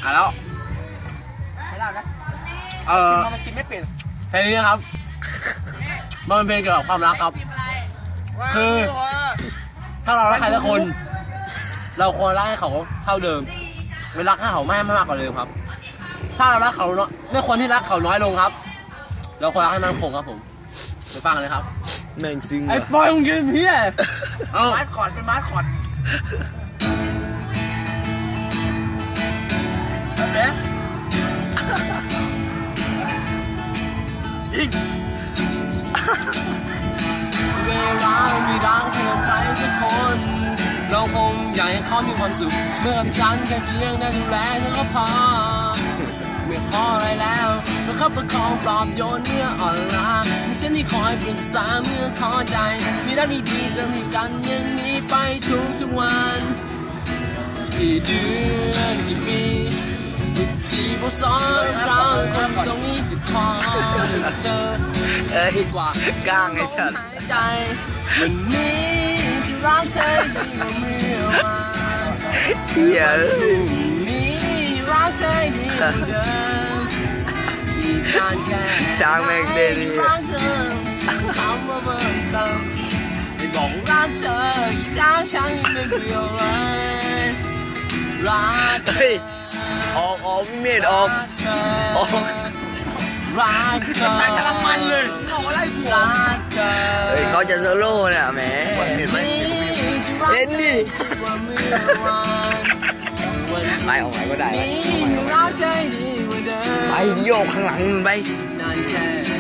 แล้วไม่ได้นะมันคิดไม่เป็นเพลงนี้นะครับมันเป็นเพลงเกี่ยวกับความรักครับคือถ้าเรารักใครสักคนเราควรรักให้เขาเท่าเดิมไม่รักให้เขาไม่มากกว่าเดิมครับถ้าเรารักเขาเนาะไม่ควรที่รักเขาน้อยลงครับเราควรรักให้มันคงครับผมไปฟังกันเลยครับแม่งซึ้งไอ้บอยมึงยืนเพี้ยมาร์คอร์ดเป็นมาร์คอร์ดเอ๊ะอีกเวลามีรักให้กับใครสักคนเราคงอยากให้เขามีความสุขเมื่อกับฉันแค่เพียงได้ดูแลฉันก็พอไม่ขออะไรแล้วประคับประคองปลอบโยนเมื่ออ่อนล้ามีเส้นที่คอยปรึกษาเมื่อท้อใจมีรักดีๆจะให้กันอย่างนี้ไปทุกวันกี่เดือนกี่ปีที่พวกสอนเราคนตรงนี้จะขอเจอดีกว่ากล้างไอ้ฉันใจวันนี้จะรักเธอดีกว่าเมื่อวานเฮียพรุ่งนี้รักเธอดีกว่าเดิมอีกนานแค่ช้างแม่งเด่นรักเธอคำว่าเบิ่มเติมให้บอกรักเธออีกรักฉันไม่เดียวเลยรักเธอออกพี่เมธออกรักเธอแต่กำลังมันเลยรออะไรผัวเฮ้ยเขาจะโซโล่เนี่ยแหมเห็นไหมเห็นดิไปออกไหนก็ได้ไปโยกข้างหลังไป